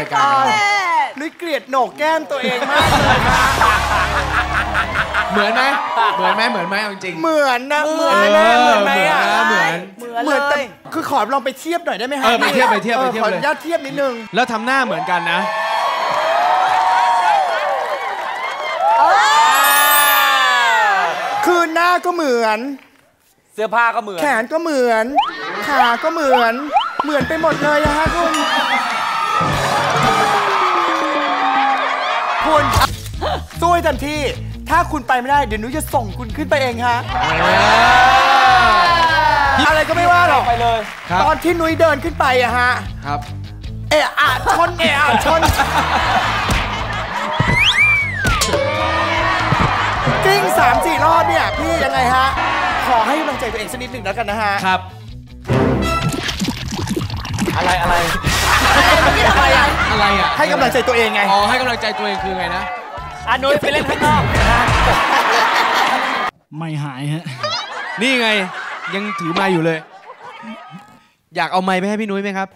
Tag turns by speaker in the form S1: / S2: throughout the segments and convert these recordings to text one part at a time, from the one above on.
S1: รายการ
S2: นุ้ยเกลียดโหนกแก้มตัวเองมากเลยนะ
S1: เหมือนไหมเหมือนไหมเอาจริง
S2: เหมือนนะเหมือนไหมอ่ะ
S1: เห
S2: มือนแต่คือขอลองไปเทียบหน่อยได้ไหมฮะ
S1: ไปเทียบ
S2: ขออนุญาตเทียบนิดนึง
S1: แล้วทำหน้าเหมือนกันนะ
S2: คือหน้าก็เหมือน
S3: เสื้อผ้าก็เหมือน
S2: แขนก็เหมือนขาก็เหมือนไปหมดเลยนะฮะคุณสู้ให้เต็มที่ถ้าคุณไปไม่ได้เดี๋ยวนุ้ยจะส่งคุณขึ้นไปเองฮะอะไรก็ไม่ว่าหรอก
S3: ไปเลย
S2: ตอนที่นุ้ยเดินขึ้นไปอะฮะ
S1: ครับ
S2: ชนกิ้ง3-4 รอบเนี่ยพี่ยังไงฮะขอให้กำลังใจตัวเองสักนิดหนึ่งแล้วกันนะฮะ
S1: ครับ
S3: อะไร
S1: อะไรอ่ะ
S2: ให้กำลังใจตัวเองไง
S1: อ๋อให้กำลังใจตัวเองคือไงนะ
S3: นุ้ยไปเล่นข้างนอก
S4: ไม่หายฮะ
S1: นี่ไงยังถือไมค์อยู่เลยอยากเอาไมค์ไปให้พี่นุ้ยไหมครับ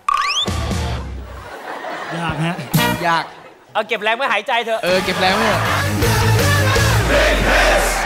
S4: อยากฮะ
S1: อยาก
S3: เอาเก็บแรงไว้หายใจเถอะ
S1: เก็บแรงไว้เถอะ